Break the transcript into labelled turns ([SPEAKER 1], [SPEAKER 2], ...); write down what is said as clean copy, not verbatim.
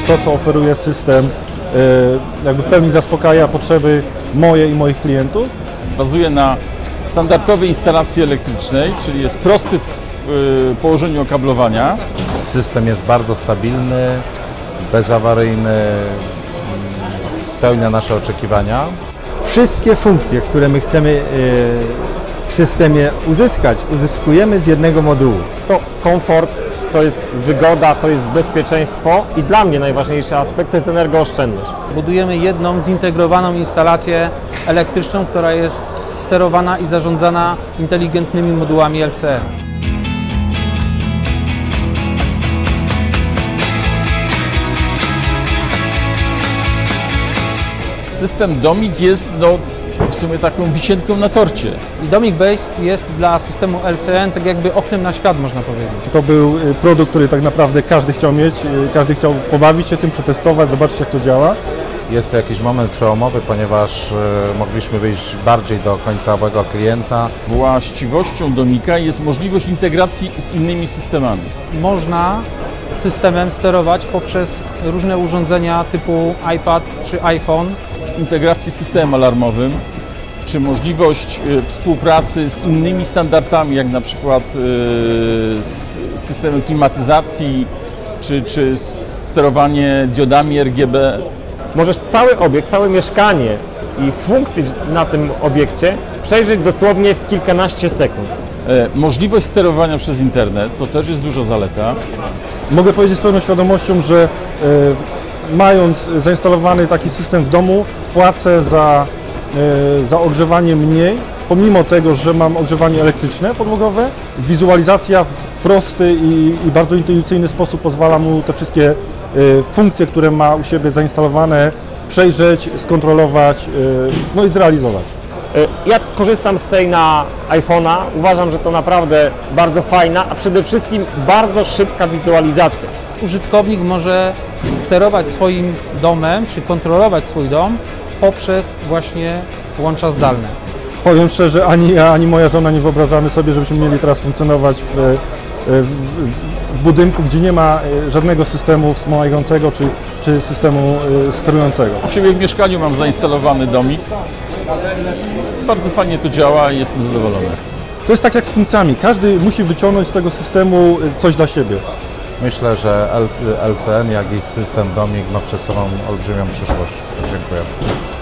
[SPEAKER 1] to, co oferuje system, jakby w pełni zaspokaja potrzeby moje i moich klientów.
[SPEAKER 2] Bazuje na standardowej instalacji elektrycznej, czyli jest prosty w położeniu okablowania.
[SPEAKER 3] System jest bardzo stabilny, bezawaryjny, spełnia nasze oczekiwania.
[SPEAKER 4] Wszystkie funkcje, które my chcemy w systemie uzyskać, uzyskujemy z jednego modułu.
[SPEAKER 5] To komfort, to jest wygoda, to jest bezpieczeństwo i dla mnie najważniejszy aspekt to jest energooszczędność.
[SPEAKER 6] Budujemy jedną zintegrowaną instalację elektryczną, która jest sterowana i zarządzana inteligentnymi modułami LCE.
[SPEAKER 2] System Domik jest w sumie taką wisienką na torcie.
[SPEAKER 6] I Domik Based jest dla systemu LCE tak jakby oknem na świat, można powiedzieć.
[SPEAKER 1] To był produkt, który tak naprawdę każdy chciał mieć, każdy chciał pobawić się tym, przetestować, zobaczyć, jak to działa.
[SPEAKER 3] Jest to jakiś moment przełomowy, ponieważ mogliśmy wyjść bardziej do końcowego klienta.
[SPEAKER 2] Właściwością Domika jest możliwość integracji z innymi systemami.
[SPEAKER 6] Można systemem sterować poprzez różne urządzenia typu iPad czy iPhone.
[SPEAKER 2] Integracji z systemem alarmowym, czy możliwość współpracy z innymi standardami, jak na przykład z systemem klimatyzacji, czy sterowanie diodami RGB.
[SPEAKER 5] Możesz cały obiekt, całe mieszkanie i funkcje na tym obiekcie przejrzeć dosłownie w kilkanaście sekund.
[SPEAKER 2] Możliwość sterowania przez internet to też jest duża zaleta.
[SPEAKER 1] Mogę powiedzieć z pełną świadomością, że mając zainstalowany taki system w domu, płacę za ogrzewanie mniej, pomimo tego, że mam ogrzewanie elektryczne, podłogowe. Wizualizacja w prosty i bardzo intuicyjny sposób pozwala mu te wszystkie funkcje, które ma u siebie zainstalowane, przejrzeć, skontrolować, no i zrealizować.
[SPEAKER 5] Ja korzystam z tej na iPhone'a, uważam, że to naprawdę bardzo fajna, a przede wszystkim bardzo szybka wizualizacja.
[SPEAKER 6] Użytkownik może sterować swoim domem, czy kontrolować swój dom poprzez właśnie łącza zdalne.
[SPEAKER 1] Powiem szczerze, ani ja, ani moja żona nie wyobrażamy sobie, żebyśmy mieli teraz funkcjonować w budynku, gdzie nie ma żadnego systemu wspomagającego czy systemu sterującego.
[SPEAKER 2] U siebie w mieszkaniu mam zainstalowany Domik. Bardzo fajnie to działa i jestem zadowolony.
[SPEAKER 1] To jest tak jak z funkcjami. Każdy musi wyciągnąć z tego systemu coś dla siebie.
[SPEAKER 3] Myślę, że LCN, jak i system Domik ma przed sobą olbrzymią przyszłość. Dziękuję.